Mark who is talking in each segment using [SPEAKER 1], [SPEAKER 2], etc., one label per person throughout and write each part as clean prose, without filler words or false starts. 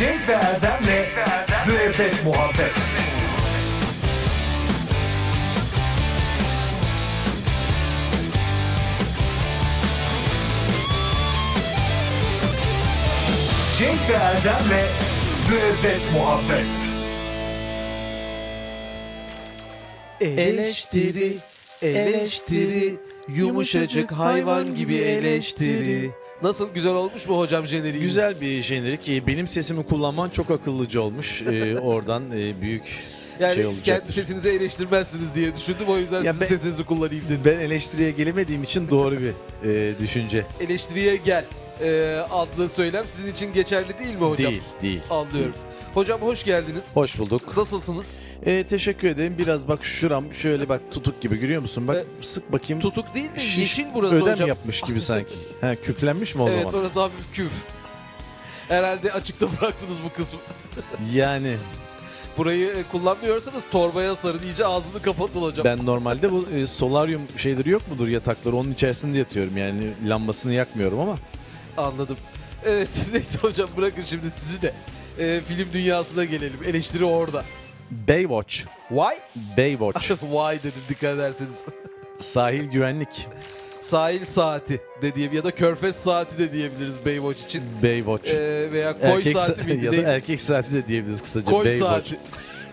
[SPEAKER 1] Cenk ve Erdem'le Müebbet Muhabbet. Cenk ve Erdem'le Müebbet Muhabbet.
[SPEAKER 2] Eleştiri, eleştiri, yumuşacık hayvan gibi eleştiri. Nasıl, güzel olmuş mu hocam jeneriğimiz?
[SPEAKER 3] Güzel bir jenerik. Benim sesimi kullanman çok akıllıca olmuş. Oradan büyük
[SPEAKER 2] yani
[SPEAKER 3] şey
[SPEAKER 2] hiç kendi
[SPEAKER 3] olacaktır.
[SPEAKER 2] sesinizi eleştirmezsiniz diye düşündüm, o yüzden
[SPEAKER 3] Ya
[SPEAKER 2] sizin sesinizi kullanayım dedim.
[SPEAKER 3] Ben eleştiriye gelemediğim için doğru bir düşünce.
[SPEAKER 2] Eleştiriye gel adlı söylem sizin için geçerli değil mi hocam?
[SPEAKER 3] Değil.
[SPEAKER 2] Anlıyorum. Hocam hoş geldiniz.
[SPEAKER 3] Hoş bulduk.
[SPEAKER 2] Nasılsınız?
[SPEAKER 3] Teşekkür ederim. Biraz bak şuram şöyle bak tutuk gibi, görüyor musun? Bak sık bakayım.
[SPEAKER 2] Tutuk değil de
[SPEAKER 3] Şiş,
[SPEAKER 2] yeşil burası
[SPEAKER 3] ödem
[SPEAKER 2] hocam.
[SPEAKER 3] yapmış gibi sanki. Ha, küflenmiş mi o
[SPEAKER 2] Evet,
[SPEAKER 3] zaman?
[SPEAKER 2] orası hafif küf. Herhalde açıkta bıraktınız bu kısmı.
[SPEAKER 3] Yani
[SPEAKER 2] Burayı kullanmıyorsanız torbaya sarın, iyice ağzını kapatın hocam.
[SPEAKER 3] ben normalde bu solaryum şeyleri yok mudur, yatakları, onun içerisinde yatıyorum. Yani lambasını yakmıyorum ama.
[SPEAKER 2] Anladım. Evet, neyse hocam, bırakın şimdi sizi de film dünyasına gelelim. Eleştiri orada.
[SPEAKER 3] Baywatch.
[SPEAKER 2] Why?
[SPEAKER 3] Baywatch.
[SPEAKER 2] Why dedim, dikkat ederseniz.
[SPEAKER 3] Sahil güvenlik.
[SPEAKER 2] Sahil saati de diyebiliriz ya da körfez saati de diyebiliriz Baywatch için.
[SPEAKER 3] Baywatch.
[SPEAKER 2] Veya koy
[SPEAKER 3] Erkek
[SPEAKER 2] saati miydi?
[SPEAKER 3] ya da
[SPEAKER 2] Değil.
[SPEAKER 3] erkek saati de diyebiliriz kısaca.
[SPEAKER 2] Koy
[SPEAKER 3] Baywatch.
[SPEAKER 2] saati.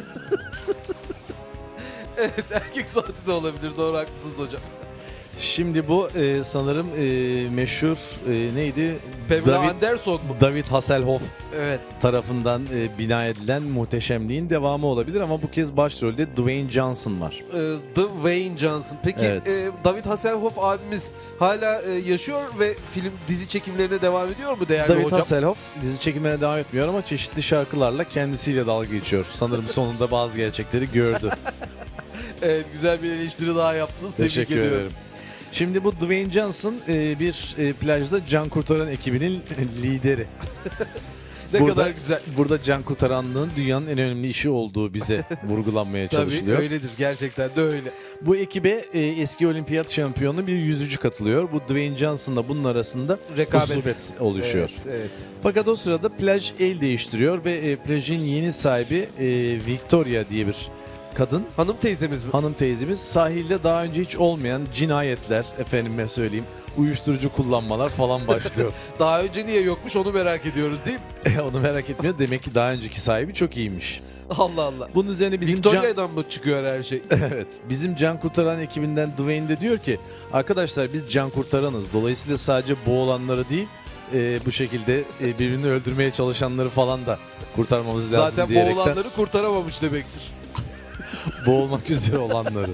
[SPEAKER 2] Evet, erkek saati de olabilir. Doğru, haklısınız hocam.
[SPEAKER 3] Şimdi bu sanırım meşhur neydi?
[SPEAKER 2] Pamela Anderson mu?
[SPEAKER 3] David Hasselhoff
[SPEAKER 2] Evet.
[SPEAKER 3] tarafından bina edilen muhteşemliğin devamı olabilir ama bu kez başrolde Dwayne Johnson var.
[SPEAKER 2] Dwayne Johnson. Peki
[SPEAKER 3] Evet.
[SPEAKER 2] David Hasselhoff abimiz hala yaşıyor ve dizi çekimlerine devam ediyor mu değerli
[SPEAKER 3] David
[SPEAKER 2] hocam?
[SPEAKER 3] Hasselhoff dizi çekimlerine devam etmiyor ama çeşitli şarkılarla kendisiyle dalga geçiyor. Sanırım sonunda bazı gerçekleri gördü.
[SPEAKER 2] Evet, güzel bir eleştiri daha yaptınız. Tebrik
[SPEAKER 3] Teşekkür
[SPEAKER 2] ediyorum.
[SPEAKER 3] ederim. Şimdi bu Dwayne Johnson bir plajda can kurtaran ekibinin lideri.
[SPEAKER 2] Ne
[SPEAKER 3] Burada-
[SPEAKER 2] kadar güzel.
[SPEAKER 3] Burada can kurtaranlığın dünyanın en önemli işi olduğu bize vurgulanmaya
[SPEAKER 2] Tabii
[SPEAKER 3] çalışılıyor.
[SPEAKER 2] öyledir. Gerçekten de öyle.
[SPEAKER 3] Bu ekibe eski olimpiyat şampiyonu bir yüzücü katılıyor. Bu Dwayne Johnson'la bunun arasında
[SPEAKER 2] Rekabet.
[SPEAKER 3] husubet oluşuyor.
[SPEAKER 2] Evet.
[SPEAKER 3] Fakat o sırada plaj el değiştiriyor ve plajın yeni sahibi Victoria diye bir kadın,
[SPEAKER 2] Hanım teyzemiz mi?
[SPEAKER 3] hanım teyzemiz, sahilde daha önce hiç olmayan cinayetler, efendime söyleyeyim, uyuşturucu kullanmalar falan başlıyor.
[SPEAKER 2] Daha önce niye yokmuş onu merak ediyoruz değil mi?
[SPEAKER 3] Onu merak etmiyor. Demek ki daha önceki sahibi çok iyiymiş.
[SPEAKER 2] Allah Allah.
[SPEAKER 3] Bunun üzerine bizim can...
[SPEAKER 2] Victoria'dan mı çıkıyor her şey?
[SPEAKER 3] Evet. Bizim can kurtaran ekibinden Dwayne de diyor ki, arkadaşlar biz can kurtaranız. Dolayısıyla sadece boğulanları değil, bu şekilde birbirini öldürmeye çalışanları falan da kurtarmamız lazım
[SPEAKER 2] Zaten
[SPEAKER 3] diyerekten
[SPEAKER 2] boğulanları kurtaramamış demektir.
[SPEAKER 3] boğulmak üzere olanları.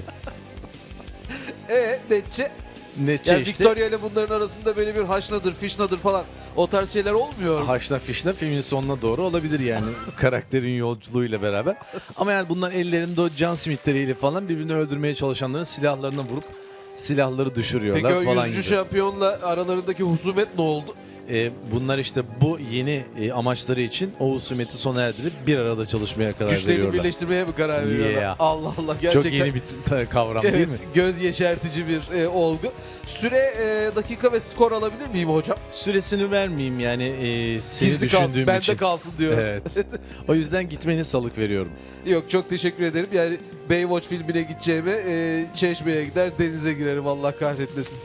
[SPEAKER 2] Netçe?
[SPEAKER 3] Netçe
[SPEAKER 2] Yani
[SPEAKER 3] işte.
[SPEAKER 2] Victoria ile bunların arasında böyle bir haşnadır, fişnadır falan o tarz şeyler olmuyor mu?
[SPEAKER 3] Haşla fişle filmin sonuna doğru olabilir yani karakterin yolculuğuyla beraber. Ama yani bunlar ellerinde o can simittleriyle falan birbirini öldürmeye çalışanların silahlarına vurup silahları düşürüyorlar
[SPEAKER 2] Peki o
[SPEAKER 3] falan
[SPEAKER 2] yüzücü
[SPEAKER 3] gibi.
[SPEAKER 2] şampiyonla aralarındaki husumet ne oldu?
[SPEAKER 3] Bunlar işte bu yeni amaçları için o husumeti sona erdirip bir arada çalışmaya karar
[SPEAKER 2] Güçlerini
[SPEAKER 3] veriyorlar.
[SPEAKER 2] birleştirmeye mi karar veriyorlar?
[SPEAKER 3] Yeah.
[SPEAKER 2] Allah Allah, gerçekten.
[SPEAKER 3] Çok yeni bir kavram
[SPEAKER 2] Evet,
[SPEAKER 3] değil mi?
[SPEAKER 2] göz yeşertici bir olgu. Süre, dakika ve skor alabilir miyim hocam?
[SPEAKER 3] Süresini vermeyeyim yani seni
[SPEAKER 2] Gizli kalsın,
[SPEAKER 3] düşündüğüm
[SPEAKER 2] bende
[SPEAKER 3] için.
[SPEAKER 2] kalsın diyoruz.
[SPEAKER 3] Evet. O yüzden gitmeni salık veriyorum.
[SPEAKER 2] Yok, çok teşekkür ederim. Yani Baywatch filmine gideceğime Çeşme'ye gider denize girerim, Allah kahretmesin.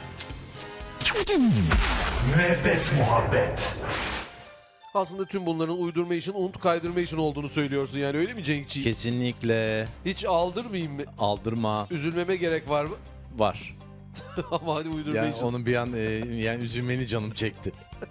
[SPEAKER 1] Müebbet Muhabbet.
[SPEAKER 2] Aslında tüm bunların uydurma için, unut kaydırma için olduğunu söylüyorsun yani, öyle mi Cenkçiğim?
[SPEAKER 3] Kesinlikle
[SPEAKER 2] Hiç aldırmayayım mı?
[SPEAKER 3] aldırma
[SPEAKER 2] Üzülmeme gerek var mı?
[SPEAKER 3] var.
[SPEAKER 2] Ama hadi uydurma
[SPEAKER 3] Yani
[SPEAKER 2] için.
[SPEAKER 3] onun bir an yani üzülmeni canım çekti.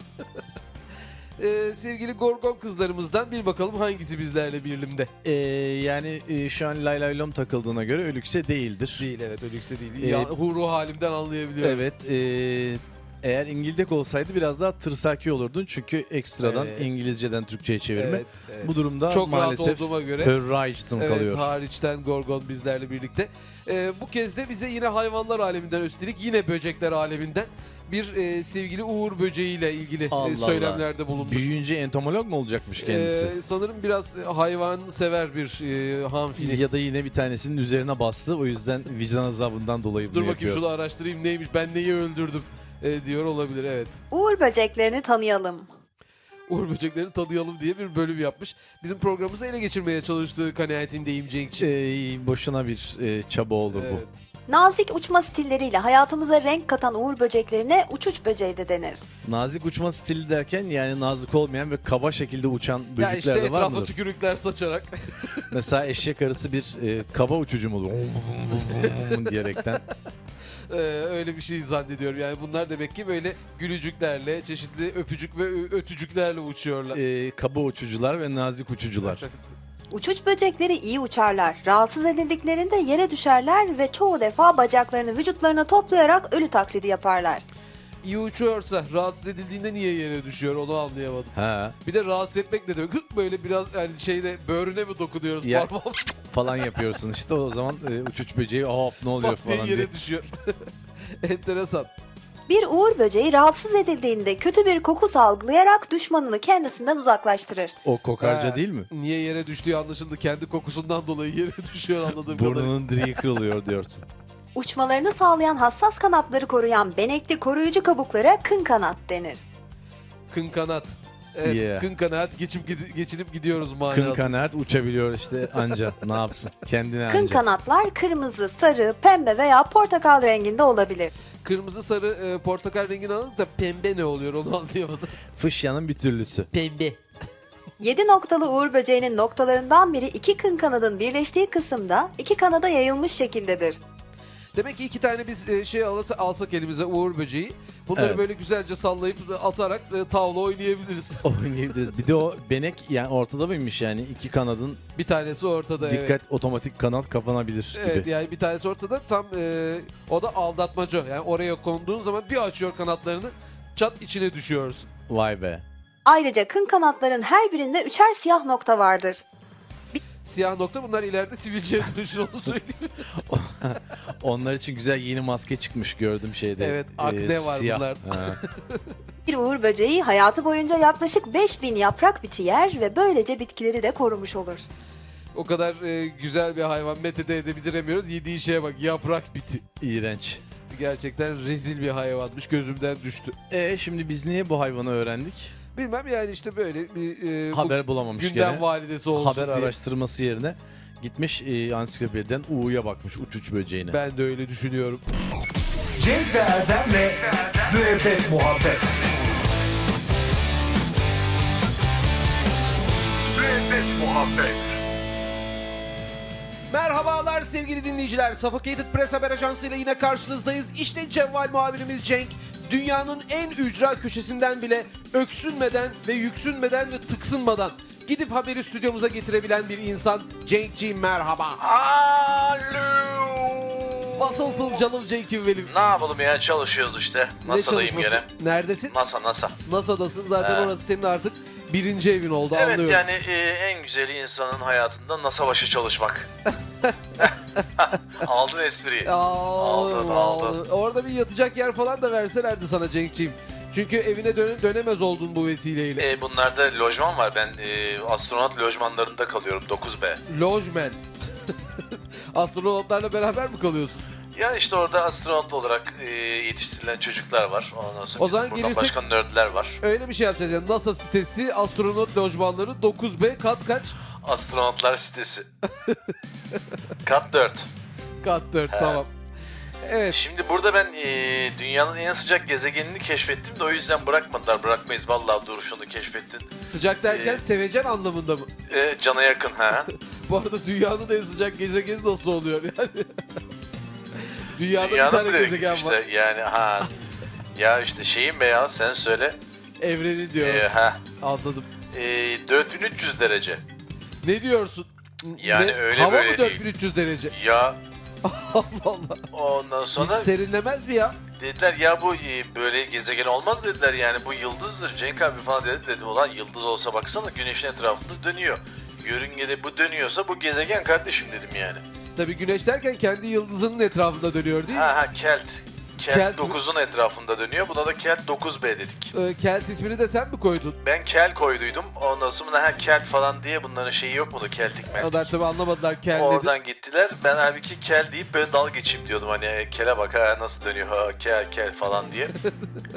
[SPEAKER 2] Sevgili Gorgon kızlarımızdan bir bakalım hangisi bizlerle birlimde?
[SPEAKER 3] Yani şu an lay lay lom takıldığına göre Ölükse değildir.
[SPEAKER 2] Değil, evet, ölükse değil. Ya, huru halimden anlayabiliyoruz.
[SPEAKER 3] Evet. Eğer İngildek olsaydı biraz daha tırsaki olurdun. Çünkü ekstradan
[SPEAKER 2] Evet.
[SPEAKER 3] İngilizceden Türkçe'ye çevirme.
[SPEAKER 2] Evet, evet.
[SPEAKER 3] Bu durumda
[SPEAKER 2] Çok
[SPEAKER 3] maalesef
[SPEAKER 2] rahat olduğuma göre.
[SPEAKER 3] Hörraich'tın
[SPEAKER 2] Evet,
[SPEAKER 3] kalıyor.
[SPEAKER 2] hariçten Gorgon bizlerle birlikte. Bu kez de bize yine hayvanlar aleminden, üstelik yine böcekler aleminden bir sevgili Uğur böceğiyle ilgili
[SPEAKER 3] Allah
[SPEAKER 2] söylemlerde bulunmuş.
[SPEAKER 3] Büyüyünce entomolog mu olacakmış kendisi?
[SPEAKER 2] Sanırım biraz hayvan sever bir hanfili.
[SPEAKER 3] Ya da yine bir tanesinin üzerine bastı. O yüzden vicdan azabından dolayı bunu
[SPEAKER 2] Dur bakayım,
[SPEAKER 3] yapıyor.
[SPEAKER 2] şunu araştırayım neymiş, ben neyi öldürdüm diyor olabilir, evet.
[SPEAKER 4] Uğur böceklerini tanıyalım.
[SPEAKER 2] Uğur böceklerini tanıyalım diye bir bölüm yapmış. Bizim programımızı ele geçirmeye çalıştığı kanaatindeyim Cenk'ciğim.
[SPEAKER 3] Boşuna bir çaba olur bu.
[SPEAKER 2] Evet.
[SPEAKER 4] Nazik uçma stilleriyle hayatımıza renk katan uğur böceklerine uçuç böceği de denir.
[SPEAKER 3] Nazik uçma stili derken yani nazik olmayan ve kaba şekilde uçan
[SPEAKER 2] Ya
[SPEAKER 3] böcekler
[SPEAKER 2] işte
[SPEAKER 3] de var
[SPEAKER 2] etrafa
[SPEAKER 3] mıdır?
[SPEAKER 2] tükürükler saçarak.
[SPEAKER 3] Mesela eşek arısı bir kaba uçucu mudur? diyerekten.
[SPEAKER 2] Öyle bir şey zannediyorum. Yani bunlar demek ki böyle gülücüklerle, çeşitli öpücük ve ötücüklerle uçuyorlar.
[SPEAKER 3] Kaba uçucular ve nazik uçucular.
[SPEAKER 4] Uçuç böcekleri iyi uçarlar. Rahatsız edildiklerinde yere düşerler ve çoğu defa bacaklarını vücutlarına toplayarak ölü taklidi yaparlar.
[SPEAKER 2] İyi uçuyorsa rahatsız edildiğinde niye yere düşüyor onu anlayamadım.
[SPEAKER 3] Ha
[SPEAKER 2] Bir de rahatsız etmek ne demek? Hık böyle biraz yani şeyde böğrüne mi dokunuyoruz
[SPEAKER 3] Ya,
[SPEAKER 2] parmağım
[SPEAKER 3] falan yapıyorsun işte o zaman uçuç böceği hop ne oluyor
[SPEAKER 2] bak diye
[SPEAKER 3] falan
[SPEAKER 2] yere
[SPEAKER 3] diye.
[SPEAKER 2] düşüyor. Enteresan.
[SPEAKER 4] Bir uğur böceği rahatsız edildiğinde kötü bir koku salgılayarak düşmanını kendisinden uzaklaştırır.
[SPEAKER 3] O kokarca
[SPEAKER 2] Ha,
[SPEAKER 3] değil mi?
[SPEAKER 2] Niye yere düştüğü anlaşıldı. Kendi kokusundan dolayı yere düşüyor anladığım kadarıyla.
[SPEAKER 3] Burnunun direği kırılıyor diyorsun.
[SPEAKER 4] Uçmalarını sağlayan hassas kanatları koruyan benekli koruyucu kabuklara kın kanat denir.
[SPEAKER 2] Kın kanat. Evet,
[SPEAKER 3] Yeah.
[SPEAKER 2] kın kanat geçinip gidiyoruz
[SPEAKER 3] Kın
[SPEAKER 2] manası.
[SPEAKER 3] kanaat uçabiliyor işte anca ne yapsın kendine
[SPEAKER 4] Kın
[SPEAKER 3] anca.
[SPEAKER 4] kanatlar kırmızı, sarı, pembe veya portakal renginde olabilir.
[SPEAKER 2] Kırmızı, sarı, portakal rengini aldık da pembe ne oluyor onu anlayamadım.
[SPEAKER 3] Fışyanın bir türlüsü.
[SPEAKER 2] Pembe.
[SPEAKER 4] 7 noktalı uğur böceğinin noktalarından biri iki kın kanadın birleştiği kısımda iki kanada yayılmış şekildedir.
[SPEAKER 2] Demek ki iki tane biz alsak elimize uğur böceği. Bunları
[SPEAKER 3] Evet.
[SPEAKER 2] böyle güzelce sallayıp atarak tavla oynayabiliriz.
[SPEAKER 3] Oynayabiliriz. Bir de o benek yani ortada mıymış yani iki kanadın
[SPEAKER 2] Bir tanesi ortada.
[SPEAKER 3] dikkat
[SPEAKER 2] Evet.
[SPEAKER 3] otomatik kanat kapanabilir gibi.
[SPEAKER 2] Evet yani bir tanesi ortada tam o da aldatmaca. Yani oraya konduğun zaman bir açıyor kanatlarını çat içine düşüyorsun.
[SPEAKER 3] Vay be.
[SPEAKER 4] Ayrıca kın kanatların her birinde üçer siyah nokta vardır.
[SPEAKER 2] Siyah nokta bunlar ileride sivilceye dönüşür onu söyleyeyim.
[SPEAKER 3] Onlar için güzel yeni maske çıkmış gördüm şeyde.
[SPEAKER 2] Evet, akne var
[SPEAKER 3] siyah.
[SPEAKER 2] bunlar.
[SPEAKER 3] Ha.
[SPEAKER 4] Bir uğur böceği hayatı boyunca yaklaşık 5000 yaprak biti yer ve böylece bitkileri de korumuş olur.
[SPEAKER 2] O kadar güzel bir hayvan metede edebiliremiyoruz. Yediği şeye bak yaprak biti.
[SPEAKER 3] İğrenç.
[SPEAKER 2] Gerçekten rezil bir hayvanmış gözümden düştü.
[SPEAKER 3] Şimdi biz niye bu hayvanı öğrendik?
[SPEAKER 2] Bilmem yani işte böyle bir bu
[SPEAKER 3] Haber bulamamış
[SPEAKER 2] gündem
[SPEAKER 3] gene.
[SPEAKER 2] validesi olsun
[SPEAKER 3] Haber
[SPEAKER 2] diye.
[SPEAKER 3] araştırması yerine gitmiş ansiklopediden U'ya bakmış uçuç böceğine.
[SPEAKER 2] Ben de öyle düşünüyorum.
[SPEAKER 1] Cenk ve Erdem'le Müebbet Muhabbet. Müebbet Muhabbet.
[SPEAKER 2] Merhabalar sevgili dinleyiciler. Suffocated Press Haber Ajansı ile yine karşınızdayız. İşte Cevval muhabirimiz Cenk. Dünyanın en ücra köşesinden bile öksünmeden ve yüksünmeden ve tıksınmadan gidip haberi stüdyomuza getirebilen bir insan. Cenk'ciğim merhaba.
[SPEAKER 5] Alo.
[SPEAKER 2] Nasılsın canım Cenk'im benim?
[SPEAKER 5] Ne yapalım ya, çalışıyoruz işte.
[SPEAKER 2] Ne
[SPEAKER 5] NASA'dayım
[SPEAKER 2] çalışması?
[SPEAKER 5] gene.
[SPEAKER 2] Neredesin?
[SPEAKER 5] NASA.
[SPEAKER 2] NASA'dasın. Zaten
[SPEAKER 5] He.
[SPEAKER 2] orası senin artık birinci evin oldu
[SPEAKER 5] Evet
[SPEAKER 2] anlıyorum.
[SPEAKER 5] yani en güzeli insanın hayatında NASA başı çalışmak. Aldın espriyi.
[SPEAKER 2] Aldım.
[SPEAKER 5] Aldım.
[SPEAKER 2] Orada bir yatacak yer falan da verselerdi sana Cenk'ciğim. Çünkü evine dönemez oldun bu vesileyle.
[SPEAKER 5] Bunlarda lojman var. Ben astronot lojmanlarında kalıyorum 9B.
[SPEAKER 2] Lojmen. Astronotlarla beraber mi kalıyorsun?
[SPEAKER 5] Ya işte orada astronot olarak yetiştirilen çocuklar var. Ondan sonra
[SPEAKER 2] O zaman
[SPEAKER 5] bizim buradan
[SPEAKER 2] gelirsek-
[SPEAKER 5] başka nerdler var.
[SPEAKER 2] Öyle bir şey yapacağız yani. NASA sitesi, astronot lojmanları 9B kat kaç?
[SPEAKER 5] Astronotlar sitesi. Kat 4.
[SPEAKER 2] Kat 4
[SPEAKER 5] He.
[SPEAKER 2] tamam. Evet.
[SPEAKER 5] Şimdi burada ben dünyanın en sıcak gezegenini keşfettim de o yüzden bırakmadılar. Bırakmayız vallahi, dur şunu keşfettin.
[SPEAKER 2] Sıcak derken
[SPEAKER 5] Ee,
[SPEAKER 2] sevecen anlamında mı?
[SPEAKER 5] Cana yakın ha.
[SPEAKER 2] Bu arada dünyanın en sıcak gezegeni nasıl oluyor yani? Dünyada bir
[SPEAKER 5] Dünyanın
[SPEAKER 2] tane
[SPEAKER 5] direkt
[SPEAKER 2] gezegen
[SPEAKER 5] işte,
[SPEAKER 2] var.
[SPEAKER 5] yani ha. Ya işte şeyim be ya, sen söyle.
[SPEAKER 2] Evrenin diyoruz. Anladım.
[SPEAKER 5] 4300 derece.
[SPEAKER 2] Ne diyorsun?
[SPEAKER 5] Yani
[SPEAKER 2] Ne?
[SPEAKER 5] öyle
[SPEAKER 2] Hava
[SPEAKER 5] böyle
[SPEAKER 2] mı
[SPEAKER 5] değil.
[SPEAKER 2] 4300 derece?
[SPEAKER 5] Ya
[SPEAKER 2] Allah Allah.
[SPEAKER 5] ondan
[SPEAKER 2] Hiç
[SPEAKER 5] sonra
[SPEAKER 2] serinlemez mi ya?
[SPEAKER 5] dediler ya bu böyle gezegen olmaz dediler, yani bu yıldızdır Cenk abi falan dedim. Ulan yıldız olsa baksana güneşin etrafında dönüyor. Yörüngede bu dönüyorsa bu gezegen kardeşim dedim yani.
[SPEAKER 2] Tabii güneş derken kendi yıldızının etrafında dönüyor değil mi?
[SPEAKER 5] Ha Kelt.
[SPEAKER 2] Kelt
[SPEAKER 5] Kelt
[SPEAKER 2] mi?
[SPEAKER 5] 9'un etrafında dönüyor. Buna da Kelt 9B dedik.
[SPEAKER 2] Kelt ismini de sen mi koydun?
[SPEAKER 5] Ben Kel koyduydum. Ondan sonra ha Kelt falan diye bunların şeyi yok mudur? Keltik meltik.
[SPEAKER 2] Onlar tabii anlamadılar Kel dedi.
[SPEAKER 5] Oradan gittiler. Ben halbuki Kel deyip böyle dalga geçeyim diyordum. Hani Kel'e bak ha nasıl dönüyor ha Kel falan diye.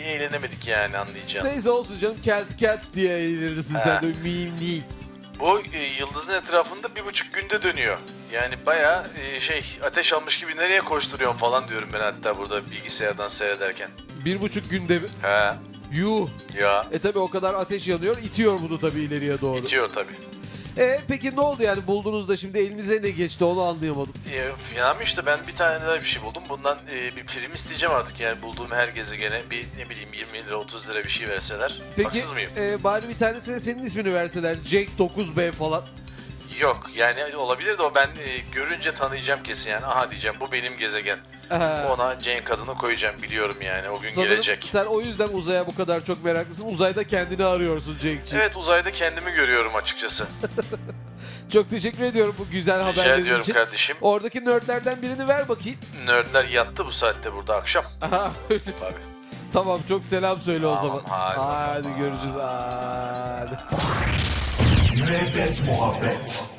[SPEAKER 5] eğlenemedik yani, anlayacağın.
[SPEAKER 2] Neyse olsun canım, Cat diye eğlenirsin
[SPEAKER 5] He.
[SPEAKER 2] sen de mimli.
[SPEAKER 5] Bu yıldızın etrafında 1,5 günde dönüyor. Yani bayağı ateş almış gibi nereye koşturuyorsun falan diyorum ben hatta burada bilgisayardan seyrederken.
[SPEAKER 2] 1,5 günde
[SPEAKER 5] He
[SPEAKER 2] yuh.
[SPEAKER 5] ya,
[SPEAKER 2] Tabi o kadar ateş yanıyor, itiyor bunu tabi ileriye doğru.
[SPEAKER 5] bitiyor tabii.
[SPEAKER 2] Peki ne oldu yani, buldunuzda şimdi elinize ne geçti onu anlayamadım.
[SPEAKER 5] Yani işte ben bir tane daha bir şey buldum. Bundan bir prim isteyeceğim artık yani, bulduğum her gezegene bir ne bileyim 20 lira 30 lira bir şey verseler.
[SPEAKER 2] Peki
[SPEAKER 5] Haksız mıyım?
[SPEAKER 2] bari bir tanesine senin ismini verseler, Cenk 9B falan.
[SPEAKER 5] Yok yani olabilir de o ben görünce tanıyacağım kesin yani. Aha diyeceğim bu benim gezegen. Ona Cenk adını koyacağım, biliyorum yani o gün
[SPEAKER 2] Sanırım
[SPEAKER 5] gelecek.
[SPEAKER 2] sen o yüzden uzaya bu kadar çok meraklısın. Uzayda kendini arıyorsun Cenk'ciğim.
[SPEAKER 5] Evet, uzayda kendimi görüyorum açıkçası.
[SPEAKER 2] Çok teşekkür ediyorum bu güzel
[SPEAKER 5] Rica
[SPEAKER 2] haberlerin
[SPEAKER 5] ediyorum
[SPEAKER 2] için.
[SPEAKER 5] kardeşim.
[SPEAKER 2] Oradaki nerdlerden birini ver bakayım.
[SPEAKER 5] Nerdler yattı bu saatte burada akşam.
[SPEAKER 2] Aha, öyle.
[SPEAKER 5] Tabii.
[SPEAKER 2] Tamam, çok selam söyle o
[SPEAKER 5] Tamam,
[SPEAKER 2] zaman.
[SPEAKER 5] hadi bakalım.
[SPEAKER 2] Hadi görüşürüz. Hadi.
[SPEAKER 1] Müebbet muhabbet.